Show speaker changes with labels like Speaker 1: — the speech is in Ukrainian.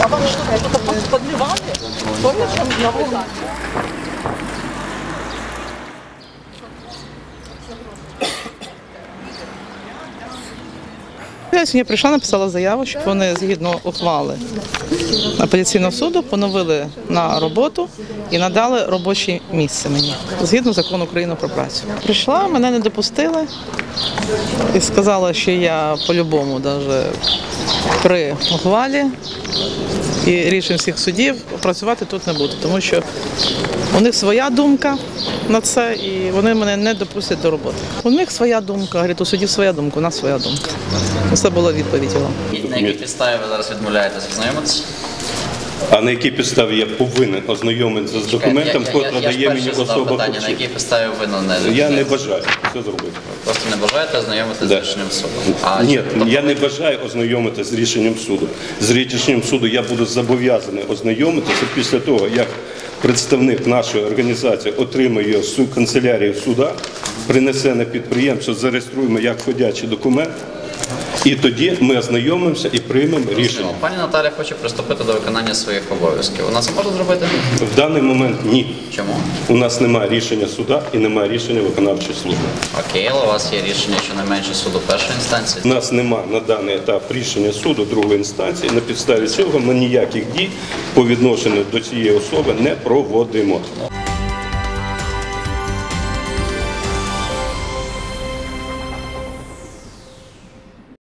Speaker 1: вам что-то подливали? Помнишь, на вулиці? Я сьогодні прийшла, написала заяву, щоб вони згідно ухвали апеляційного суду поновили на роботу і надали робоче місце мені, згідно закону України про працю. Прийшла, мене не допустили і сказала, що я по-любому, навіть при ухвалі і рішень всіх судів, працювати тут не буду, тому що у них своя думка на це і вони мене не допустять до роботи. У них своя думка, говорить, у судів своя думка, у нас своя думка. Це була відповідь його.
Speaker 2: На якій підставі ви зараз відмовляєтеся ознайомитися?
Speaker 3: А на якій підставі я повинен ознайомитися з документом, який дає мені особа
Speaker 2: питання, на якій підставі ви не
Speaker 3: Я не бажаю це зробити.
Speaker 2: Просто не бажаєте ознайомитися з рішенням суду?
Speaker 3: Ні, я не бажаю ознайомитися з рішенням суду. З рішенням суду я буду зобов'язаний ознайомитися після того, як представник нашої організації отримає його з канцелярії суда, принесе на підприємство, зареєструємо як ходячий документ. І тоді ми ознайомимося і приймемо рішення.
Speaker 2: Пані Наталя хоче приступити до виконання своїх обов'язків. Вона це може зробити?
Speaker 3: В даний момент ні.
Speaker 2: Чому?
Speaker 3: У нас немає рішення суда і немає рішення виконавчої служби.
Speaker 2: Окей, але у вас є рішення щонайменше суду першої інстанції?
Speaker 3: У нас немає на даний етап рішення суду другої інстанції. На підставі цього ми ніяких дій по відношенню до цієї особи не проводимо.